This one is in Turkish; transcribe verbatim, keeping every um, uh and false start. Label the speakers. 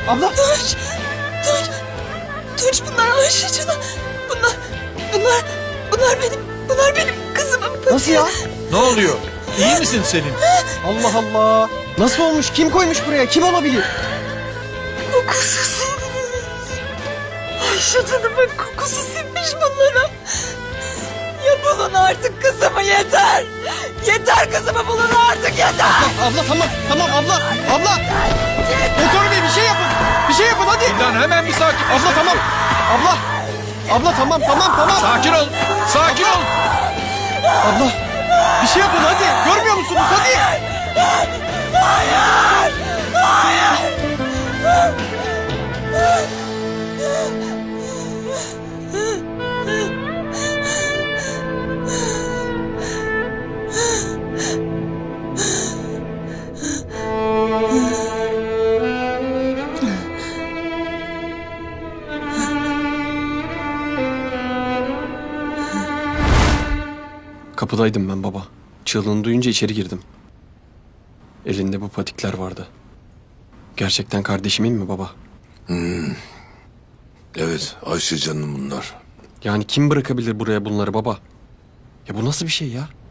Speaker 1: Abla.
Speaker 2: Tunç. Tunç. Tunç bunlar Ayşe Can'a. Bunlar. Bunlar. Bunlar benim. Bunlar benim kızımın patiği.
Speaker 1: Nasıl ya?
Speaker 3: Ne oluyor? İyi misin Selim?
Speaker 1: Allah Allah. Nasıl olmuş? Kim koymuş buraya? Kim olabilir?
Speaker 2: Kokusu sinmiş. Ayşe Can'ımın kokusu sinmiş bunlara. Ya bulun artık kızımı yeter. Yeter kızımı bulun artık yeter.
Speaker 1: Abla tamam. Tamam abla. Abla. Doktor bey bir şey yapın. Bir şey yapın hadi.
Speaker 3: Lan hemen bir sakin.
Speaker 1: Abla tamam. Abla. Abla tamam tamam tamam.
Speaker 3: Sakin ol. Sakin ol.
Speaker 1: Abla. Bir şey yapın hadi. Görmüyor musunuz? Hadi. Kapıdaydım ben baba. Çığlığını duyunca içeri girdim. Elinde bu patikler vardı. Gerçekten kardeşimin mi baba?
Speaker 4: Evet, Ayşe Can'ın bunlar.
Speaker 1: Yani kim bırakabilir buraya bunları baba? Ya bu nasıl bir şey ya?